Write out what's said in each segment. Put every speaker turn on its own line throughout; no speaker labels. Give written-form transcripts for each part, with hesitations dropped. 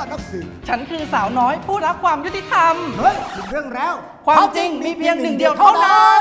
ดนักสืบ
ฉันคือสาวน้อยผู้รักความยุติธรรม
เฮ้ยถึงเรื่องแล้ว
ความจริงมีเพียงหนึ่งเดียวเท่านั้น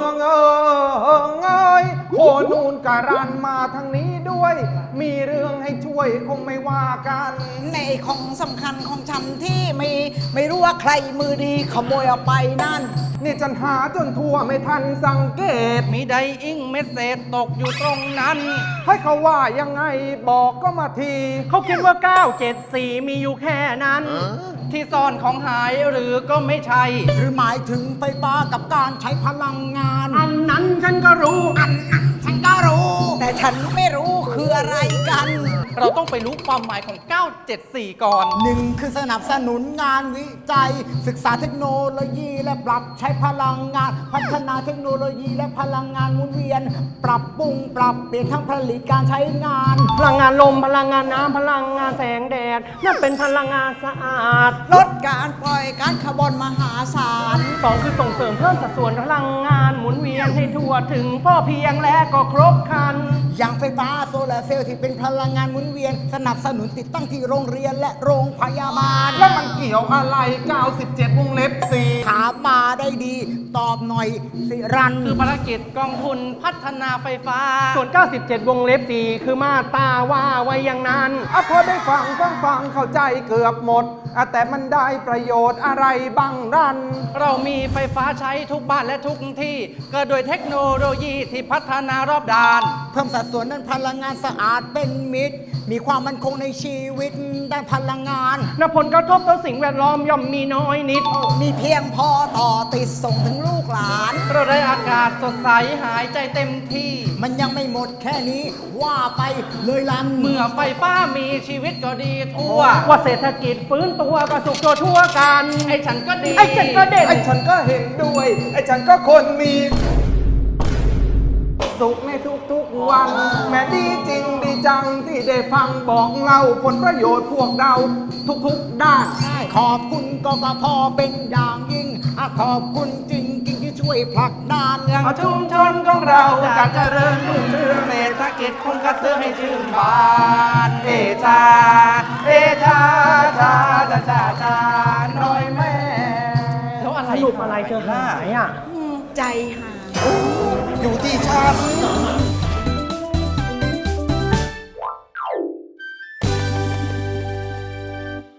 โคนูนการันมาทางนี้ด้วย มีเรื่องให้ช่วยคงไม่ว่ากัน
ในของสำคัญของฉันที่ไม่รู้ว่าใครมือดีขโมยเอาไปนั่น
นี่ฉันหาจนทั่วไม่ทันสังเกต
มีไดอิงเมสเซจตกอยู่ตรงนั้น
ให้เขาว่ายังไงบอกก็มาที
เขาคิดว่า 974 มีอยู่แค่นั้น
ที่ซ่อนของหายหรือก็ไม่ใช่
หรือหมายถึงไฟฟ้ากับการใช้พลังงาน
อันนั้นฉันก็รู้
อันนั้นฉันก็รู้ แต่ฉันไม่รู้คืออะไรกัน
เราต้องไปรู้ความหมายของ 974 ก่อน
หนึ่งคือสนับสนุนงานวิจัย ศึกษาเทคโนโลยีและปรับใช้พลังงาน พัฒนาเทคโนโลยีและพลังงานหมุนเวียน ปรับปรุงปรับเปลี่ยนทั้งผลิตการใช้งาน
พลังงานลม พลังงานน้ำ พลังงานแสงแดด นั่นเป็นพลังงานสะอาด
ลดการปล่อยก๊าซคาร์บอนมหาศาล
2 คือส่งเสริมเพิ่มสัดส่วนพลังงานหมุนเวียนให้ทั่วถึงพ่อเพียงและก็ครบครัน
อย่างไฟฟ้าโซลาร์เซลล์ที่เป็นพลังงานหมุนเวียน สนับสนุนติดตั้งที่โรงเรียนและโรงพยาบาล
แล้วมันเกี่ยวอะไร 97 วงเล็บ
ถามมาได้ดี ตอบหน่อยสิรัน
คือภารกิจกองทุนพัฒนาไฟฟ้า
ส่วน 97 วงเล็บ 4 คือมาตราว่าไว้อย่างนั้น
พอได้ฟังเข้าใจเกือบหมดแต่มันได้ประโยชน์อะไรบ้างรัน
เรามีไฟฟ้าใช้ทุกบ้านและทุกที่เกิดโดยเทคโนโลยีที่พัฒนารอบด้าน
เพิ่มสัดส่วนด้านพลังงานสะอาดเป็นมิตร มีความมั่นคงในชีวิตด้านพลังงาน
และผลกระทบต่อสิ่งแวดล้อมย่อมมีน้อยนิด
มีเพียงพอต่อติดส่งถึงลูกหลาน
เราได้อากาศสดใสหายใจเต็มที่
มันยังไม่หมดแค่นี้ว่าไปเลยลัน
เมื่อไฟฟ้ามีชีวิตก็ดีทั่ว
ว่าเศรษฐกิจฟื้นตัวก็สุขทั่วกัน
ไอ้ฉันก็ดี
ไอ้ฉันก็เด่น
ไอ้ฉันก็เห็นด้วย ไอ้ฉันก็คนมีสุขในทุกๆวัน แม้ดีจริงดีจังที่ได้ฟังบอกเล่าผลประโยชน์พวกเราทุกๆด้าน
ขอบคุณกกพเป็นอย่างยิ่งขอบคุณจริงที่ช่วยผลักดัน
อย่างชุมชนของเราจะเจริญรุ่งเรืองเศรษฐกิจคงกระเตื้องให้ชื่นบานเอชาเอชาชาชาชาชาน้อยแม่แล้วอะไร
สรุปอะไรเธอหายอ่ะ
ใจหาย
อยู่ที่ฉัน